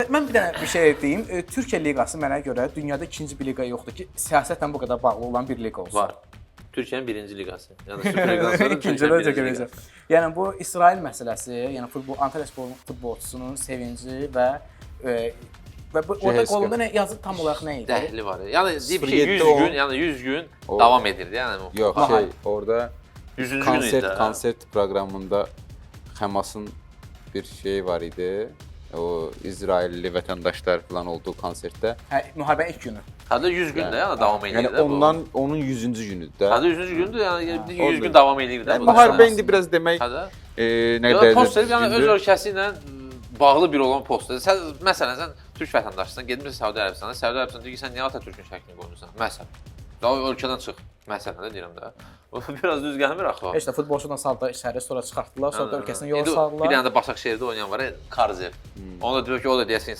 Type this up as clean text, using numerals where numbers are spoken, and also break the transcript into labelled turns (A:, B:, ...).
A: Mən bir dənə bir şey deyim. Türkiyə liqası mənə görə dünyada ikinci bir liqa yoxdur ki, siyasətlə bu qədər bağlı olan bir liqa olsun.
B: Var. Türkiyənin birinci liqası. Yəni Süper Liqadan sonra
A: İkinci
B: Türkiyənin
A: dərəcə
B: birinci liqası.
A: görəcəm. Yəni bu İsrail məsələsi, yəni Antalya Spor futbolçusunun sevinci və bu orada qolunda nə yazı tam olaraq nə idi?
B: Dəhli var. Yəni deyib ki
C: 07
B: 100 gün, yəni 100 gün davam edirdi. Yəni
C: Yox, orada
B: 100-cü gün idi.
C: konsert proqramında Həmasın bir şeyi var idi. O İsrailli vətəndaşlar falan olduğu konsertdə.
A: Hə, müharibənin ilk günü.
B: Hətta 100 gün də yəni davam edirdi
C: Yəni
B: də bu.
C: ondan onun 100-cü günüdür də.
B: Hətta 100-cü gündür, yəni 100 gün
C: orada.
B: davam edirdi də.
C: Yəni müharibə indi biraz demək
B: Hətta
C: nə dərəcədə
B: poster yəni öz ölkəsi ilə bağlı bir olan poster. Sən məsələn sən türk vətəndaşısan, getmisən Səudi Ərəbistana, Səudi Ərəbistan deyir ki, sən niyə Atatürkün şəklini qoymusan? Məsələn. Daha ölkədən çıx. Məsələn də deyirəm də. O biraz düz gəlmir axı.
A: Heç də futbolçudan saldı içəri, sonra çıxartdılar, sonra da ölkəsindən yola
B: Bir
A: saldılar.
B: dənə də Başakşehirdə oynayan var, Karzev. Onu da deyir ki, o da deyəsən